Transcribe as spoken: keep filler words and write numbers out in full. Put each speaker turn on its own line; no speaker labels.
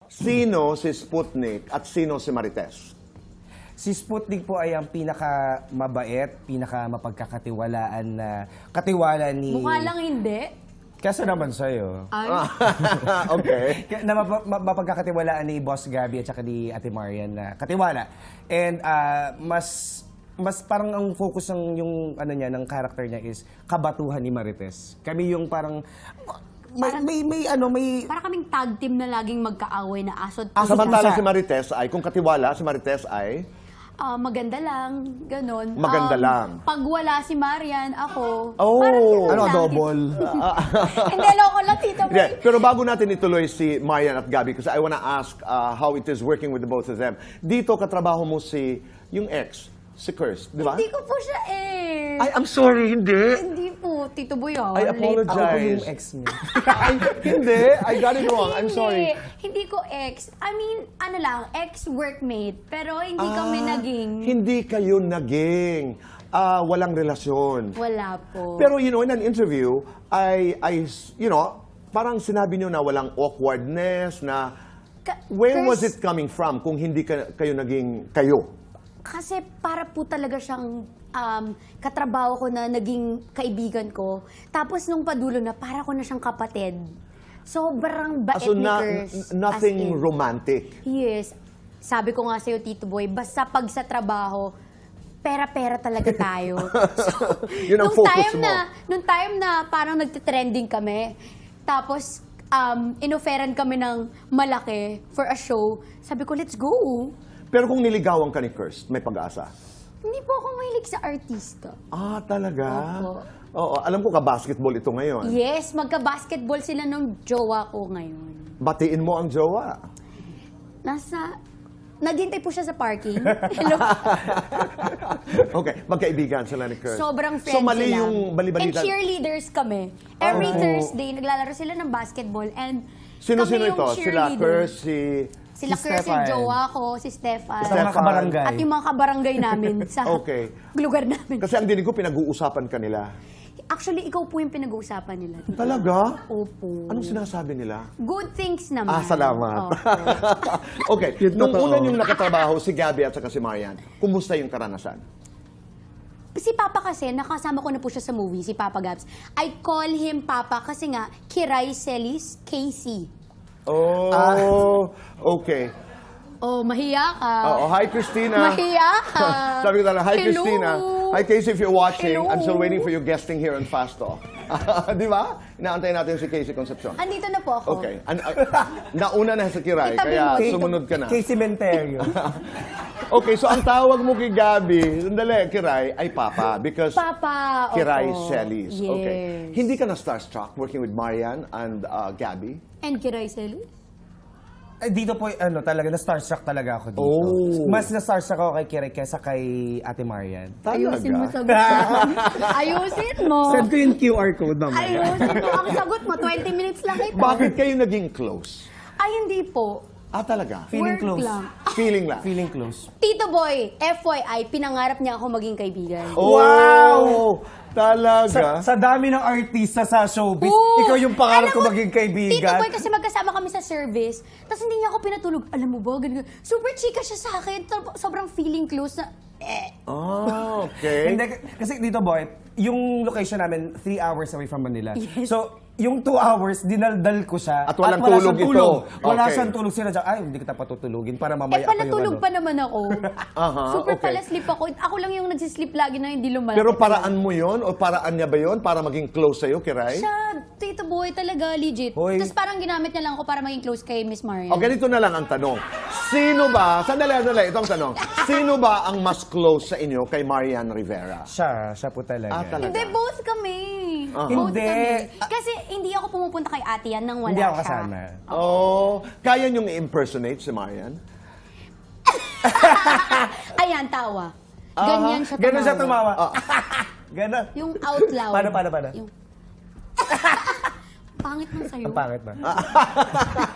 Sino si Sputnik at sino si Marites?
Si Sputnik po ay ang pinaka-mabait, pinaka-mapagkakatiwalaan na katiwala ni...
Mukha lang hindi.
Kasi naman sa'yo.
Ay,
Okay.
Kaya na map- map- mapagkakatiwalaan ni Boss Gabby at saka ni Ate Marian na katiwala. And ah, mas mas parang ang focus ng yung ano niya ng character niya is kabatuhan ni Marites. Kami yung parang may
Parang-
may, may ano may
para kaming tag team na laging magkaaway na asod.
Aso
Samantala
pusa.
si Marites ay, kung katiwala, si Marites ay...
Ah, maganda lang, ganon.
Maganda
Um,
lang.
Pag wala si Marian, ako.
Oh.
Parang ganun
ano
lang.
double.
Hindi, loko lang, Tito Boy.
Yeah, pero bago natin ituloy si Marian at Gabby, kasi I wanna ask uh, how it is working with the both of them. Dito, katrabaho mo si, yung ex, si Kirst, di ba?
Hindi ko po siya eh.
Ay, I'm sorry, hindi.
Hindi po, Tito Boy. Oh,
I
late.
apologize.
Ako po yung ex niya.
Ay, hindi. I got it wrong. I'm
Hindi.
sorry.
Hindi ko ex. I mean, ano lang, ex-workmate. Pero hindi kami
Ah,
naging...
Hindi kayo naging. Ah, walang relasyon.
Wala po.
Pero, you know, in an interview, I, I, you know, parang sinabi niyo na walang awkwardness, na
Ka-
where was
Chris,
it coming from kung hindi ka, kayo naging kayo?
Kasi para po talaga siyang um, katrabaho ko na naging kaibigan ko. Tapos nung padulo na, para ko na siyang kapatid. Sobrang bait
Ah, so
ni
na,
Kers.
nothing
As in.
romantic.
Yes. Sabi ko nga sa'yo, Tito Boy, basta pag sa trabaho, pera-pera talaga tayo. So,
Yun ang
nung
focus
time
mo.
Na, nung time na parang nagtitrending kami, tapos um, inoferan kami ng malaki for a show, sabi ko, let's go.
Pero kung niligawan ka ni Kirst, may pag-asa.
Hindi po ako mahilig sa artista.
Ah, talaga?
Opo.
Oo, alam ko ka-basketball ito ngayon.
Yes, magka-basketball sila nung jowa ko ngayon.
Batiin mo ang jowa.
Nasa... Naghintay po siya sa parking. Hello?
Okay, magkaibigan sila ni Kirst.
Sobrang friends
So mali
sila.
yung
And
balibalita.
cheerleaders kami. Every
Oh.
Thursday, naglalaro sila ng basketball. And
Sino-sino
kami
ito?
yung
Sila
cheerleader.
Kirst, si...
Sila
Si
Kirst,
Stefan.
yung jowa ko, si Stefan.
Sa mga kabarangay.
At yung mga kabarangay namin sa
Okay.
lugar namin.
Kasi ang dinig ko, pinag-uusapan ka nila.
Actually, ikaw po yung pinag-uusapan nila.
Talaga?
Opo.
Anong sinasabi nila?
Good things naman.
Ah, salamat.
Opo.
Okay,
Yun
nung
totoo.
una yung nakatrabaho, si Gabby at saka si Marian, kumusta yung karanasan?
Si Papa kasi, nakasama ko na po siya sa movie, si Papa Gabs. I call him Papa kasi nga, Kiray Celis Casey.
Oh, okay.
Oh, mahiya ka.
Oo, hi Christina.
Mahiya ka.
Sabi ko talaga, hi
Hello.
Christina. Hi Casey, if you're watching,
Hello.
I'm still waiting for you guesting here on Fast Talk. Di ba? Inaantay natin si Casey Concepcion.
Andito na po ako.
Okay. An- uh, nauna na sa Kiray,
Itabi
kaya
mo.
sumunod ka na.
Kay Cementerio.
Okay, so ang tawag mo kay Gabby, sandali, Kiray, ay Papa. Because
Papa,
Kiray
opo.
Celis.
Yes.
Okay. Hindi ka na starstruck working with Marian and uh, Gabby?
And Kiray Celis?
Ay, dito po, ano, talaga, na-starstruck talaga ako dito.
Oh.
Mas na-starstruck ako kay Kirek kesa kay Ate Marian.
Ayusin mo
Talaga?
sagot mo. Ayusin mo.
Send ko yung Q R code naman.
Ayusin mo. Ang sagot mo, twenty minutes lang kita.
Bakit kayo naging close?
Ay, hindi po.
Ah, talaga?
Feeling
Work
close.
lang.
Feeling lang.
Feeling close.
Tito Boy, F Y I, pinangarap niya ako maging kaibigan.
Oh,
Wow!
Talaga?
Sa, sa dami ng artista sa showbiz,
Oo.
ikaw yung pangarap
Alam
ko
mo,
maging
Tito
kaibigan.
Boy, kasi magkasama kami sa service, tapos hindi niya ako pinatulog. Alam mo ba, ganun, ganun. Super chika siya sa akin. Sob- Sobrang feeling close na, eh.
Ah, okay.
Hindi, kasi dito, boy, yung location namin, three hours away from Manila.
Yes.
So, yung two hours, dinaldal ko siya.
At walang
wala
tulog
siyang
ito.
Wala
Okay.
siyang tulog. Sila dyan, ay, hindi kita patutulugin para
Eh,
mamaya
pala
ako yung
tulog
ano.
pa naman ako.
Aha,
Super
okay.
pala sleep ako. Ako lang yung nagsisleep lagi na hindi lumalaki.
Pero paraan mo yon o paraan niya ba yon para maging close sa'yo, Kiray?
Siya, Tito Boy, talaga, legit.
Hoy.
Tapos parang ginamit niya lang ako para maging close kay Miss Marian.
O, ganito na lang ang tanong. Sino ba, sandali, sandali, ito ang tanong. Sino ba ang mas close sa inyo kay Marian Rivera?
Siya, siya po talaga.
Ah, talaga?
Hindi, both kami.
Aha.
Both
Hindi.
kami. Kasi hindi ako pumupunta kay ate yan nang wala
Hindi ako
siya.
kasama.
Oh, kaya niyong i-impersonate si Marian?
Ayan, tawa. Ganyan siya tumawa.
Ganon siya tumawa.
Ah.
Ganon.
Yung out loud.
Paano, paano, paano?
Yung... Pangit man sa'yo.
Ang pangit ba?